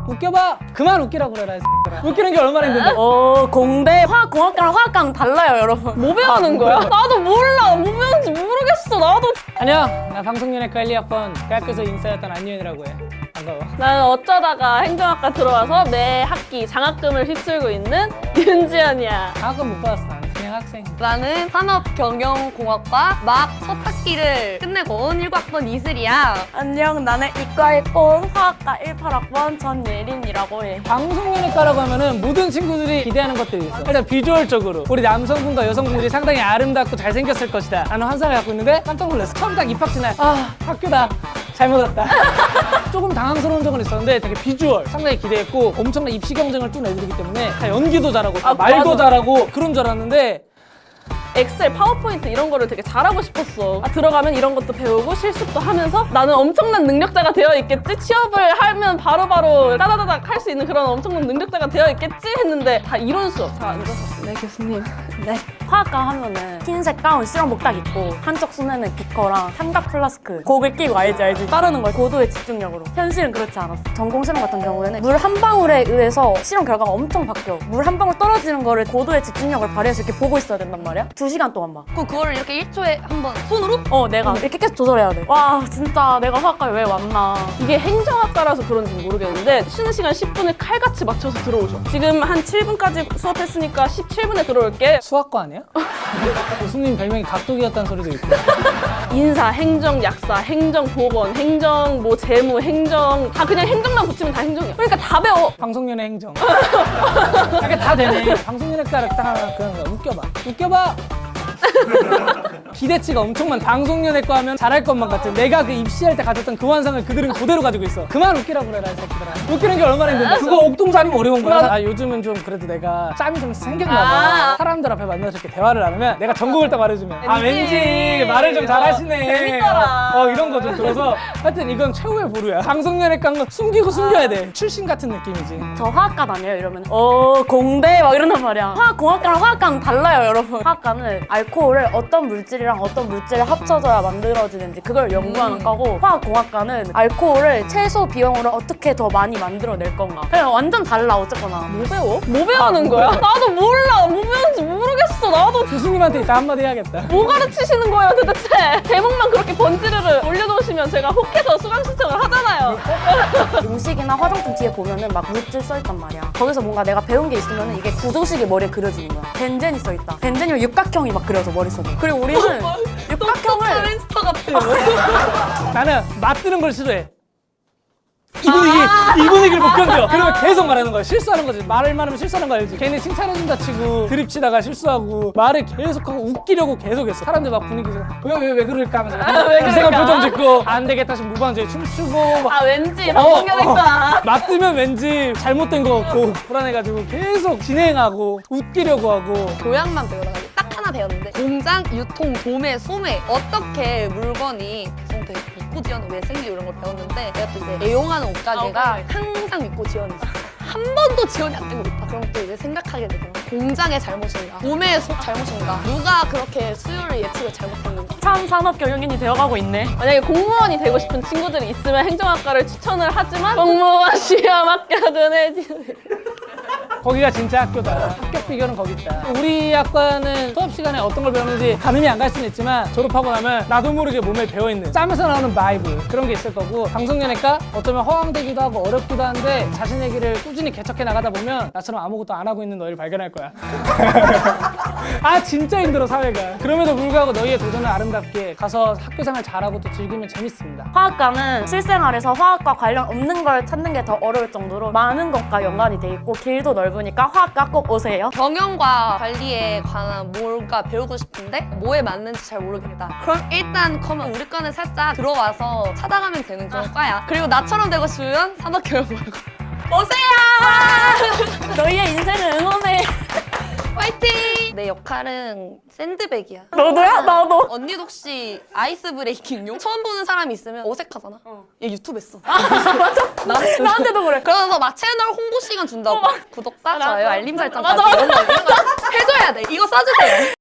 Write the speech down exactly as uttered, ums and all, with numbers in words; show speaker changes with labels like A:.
A: 웃겨봐. 그만 웃기라고 그래라. 이 웃기는 게 얼마나 힘든데.
B: 어, 공대 화학공학과랑 화학과는 달라요, 여러분.
C: 뭐 배우는 거야? 나도 몰라. 뭐 배우는지 모르겠어. 나도.
A: 안녕. 나 방송연예과 일, 이학번 대학교에서 인싸였던 안유현이라고 해. 반가워.
C: 나는 어쩌다가 행정학과 들어와서 매 학기 장학금을 휩쓸고 있는 윤지연이야.
A: 방학금 못 받았어. 나는 그냥 학생.
D: 나는 산업경영공학과 막 첫 학기를 끝내고 온 일 학번 이슬이야.
B: 안녕, 나는 이과일본 화학과 십팔 학번 전예린이라고 해.
A: 방송연예과라고 하면은 모든 친구들이 기대하는 것들이 있어. 일단 비주얼적으로 우리 남성분과 여성분들이 상당히 아름답고 잘생겼을 것이다 라는 환상을 갖고 있는데 깜짝 놀랐어. 처음 딱 입학식 날 아 학교다 잘못 왔다. 조금 당황스러운 적은 있었는데 되게 비주얼 상당히 기대했고 엄청난 입시 경쟁을 뚫은 애들이기 때문에 다 연기도 잘하고 다
C: 아,
A: 말도
C: 맞아.
A: 잘하고 그런 줄 알았는데
C: 엑셀, 파워포인트 이런 거를 되게 잘하고 싶었어. 아, 들어가면 이런 것도 배우고 실습도 하면서 나는 엄청난 능력자가 되어 있겠지? 취업을 하면 바로바로 따다다닥 할 수 있는 그런 엄청난 능력자가 되어 있겠지? 했는데 다 이론 수업 다 앉아서 네 교수님.
B: 네. 화학과 하면은 흰색 가운 실험복 딱 입고 한쪽 손에는 비커랑 삼각 플라스크 곡을 끼고 알지 알지 따르는 걸 고도의 집중력으로. 현실은 그렇지 않았어. 전공 실험 같은 경우에는 물 한 방울에 의해서 실험 결과가 엄청 바뀌어. 물 한 방울 떨어지는 거를 고도의 집중력을 발휘해서 이렇게 보고 있어야 된단 말이야. 두 시간 동안 봐.
D: 그 그거를 이렇게 일 초에 한 번 손으로?
B: 어, 내가 이렇게 계속 조절해야 돼. 와, 진짜 내가 화학과에 왜 왔나.
C: 이게 행정학과라서 그런지 모르겠는데 쉬는 시간 십 분을 칼같이 맞춰서 들어오셔. 지금 한 칠 분까지 수업했으니까 십칠 분에 들어올게.
A: 수학과 아니야? 교수님 별명이 각도기였다는 소리도 있고.
C: 인사, 행정, 약사, 행정, 보건, 행정, 뭐 재무, 행정 다 그냥 행정만 붙이면 다 행정이야. 그러니까 다 배워.
A: 방송연예 행정. 이게 다 되네. 방송연예과를 딱 하나 그런 거야. 웃겨봐. 웃겨봐. 기대치가 엄청 많아. 방송연예과 하면 잘할 것만 같은 내가 그 입시할 때 가졌던 그 환상을 그들은 그대로 가지고 있어. 그만 웃기라고 그래라 이 새끼들아. 웃기는 게 얼마나 힘든데. 그거 옥동자리면 어려운 거야. 아, 요즘은 좀 그래도 내가 짬이 좀 생겼나 봐.
C: 아.
A: 사람들 앞에 만나서 이렇게 대화를 나누면 내가 전공을 딱 말해주면 아
C: 왠지.
A: 왠지 말을 좀 잘하시네.
C: 재밌더라.
A: 어, 어, 이런 거 좀 들어서 하여튼 이건 최후의 보루야. 방송연예과는 숨기고 숨겨야 돼. 출신 같은 느낌이지.
B: 저 화학과 다녀요 이러면 어 공대 막 이런단 말이야. 화학공학과랑 화학과는 달라요 여러분. 화학과는 알코올을 어떤 물질이랑 어떤 물질을 합쳐져야 만들어지는지 그걸 연구하는 거고, 화학공학과는 알코올을 최소 비용으로 어떻게 더 많이 만들어낼 건가. 그냥 완전 달라 어쨌거나.
C: 뭐 배워? 뭐 배우는 거야? 나도 몰라. 뭐 배우는지 모르겠어. 나도
A: 교수님한테 이따 한마디 해야겠다.
C: 뭐 가르치시는 거예요 도대체? 제목만 그렇게 번지르르 올려놓으시면 제가 혹해서 수강 신청을 하잖아요.
B: 음식이나 화장품 뒤에 보면은 막 물질 써있단 말이야. 거기서 뭔가 내가 배운 게 있으면은 이게 구조식이 머리에 그려지는 거야. 벤젠이 써있다. 벤젠이면 육각형이 막 그려져 머릿속에. 그리고 우리는 육각형을
D: 인스타 같아.
A: 나는 맞드는 걸 싫어해. 이 분위기, 이 분위기를 못 견뎌. 그러면 계속 말하는 거야. 실수하는 거지. 말을 많으면 실수하는 거 알지? 괜히 칭찬해준다 치고 드립 치다가 실수하고 말을 계속하고 웃기려고 계속했어. 사람들 막 분위기에서 왜 왜 왜 그럴까 하면서
C: 왜
A: 이상한
C: 그럴까?
A: 표정 짓고 안 되겠다 싶으면 무반주에 춤추고 막
C: 아 왠지
A: 어,
C: 방송연예과.
A: 맞으면 왠지 잘못된 거 같고 불안해가지고 계속 진행하고 웃기려고 하고.
D: 교양만 배우다가 딱 하나 배웠는데 공장, 유통, 도매, 소매 어떻게 물건이 배송돼 믿고 지원은 왜 생기고 이런 걸 배웠는데 내가 또 이제 애용하는 옷가게가 항상 믿고 지원이지 한 번도 지원이 안 되고 있다. 그럼 또 이제 생각하게 되더라고. 공장의 잘못인가? 도매의 소- 잘못인가? 누가 그렇게 수요를 예측을 잘못했는가?
B: 참 산업 경영인이 되어가고 있네.
C: 만약에 공무원이 되고 싶은 친구들이 있으면 행정학과를 추천을 하지만 공무원 시험 합격은 해지.
A: 거기가 진짜 학교다. 합격 비결은 거기 있다. 우리 학과는 수업 시간에 어떤 걸 배우는지 가늠이 안 갈 수는 있지만 졸업하고 나면 나도 모르게 몸에 배어있는 짬에서 나오는 바이브 그런 게 있을 거고, 방송연예과 어쩌면 허황되기도 하고 어렵기도 한데 자신의 길을 꾸준히 개척해 나가다 보면 나처럼 아무것도 안 하고 있는 너희를 발견할 거야. 아 진짜 힘들어 사회가. 그럼에도 불구하고 너희의 도전을 아름답게 가서 학교생활 잘하고 또 즐기면 재밌습니다.
B: 화학과는 실생활에서 화학과 관련 없는 걸 찾는 게 더 어려울 정도로 많은 것과 연관이 돼 있고 길도 넓으니까 화학과 꼭 오세요.
D: 경영과 관리에 관한 뭔가 배우고 싶은데 뭐에 맞는지 잘 모르겠다. 그럼 일단 그러면 우리 과는 살짝 들어와서 찾아가면 되는 그런 과야. 그리고 나처럼 되고 싶으면 산업교육고등학교 오세요!
B: 너희의 인생을 응원해.
D: 화이팅! 내 역할은 샌드백이야.
B: 너도야? 나도.
D: 언니도 혹시 아이스 브레이킹용? 처음 보는 사람이 있으면 어색하잖아. 얘 유튜브 했어.
B: 맞아. 나한테도 그래.
D: 그러면서 막 채널 홍보 시간 준다고. 구독과
B: 맞아.
D: 좋아요, 알림 설정
B: 맞아,
D: 이런 거 이런 거 해줘야 돼. 이거 써주세요.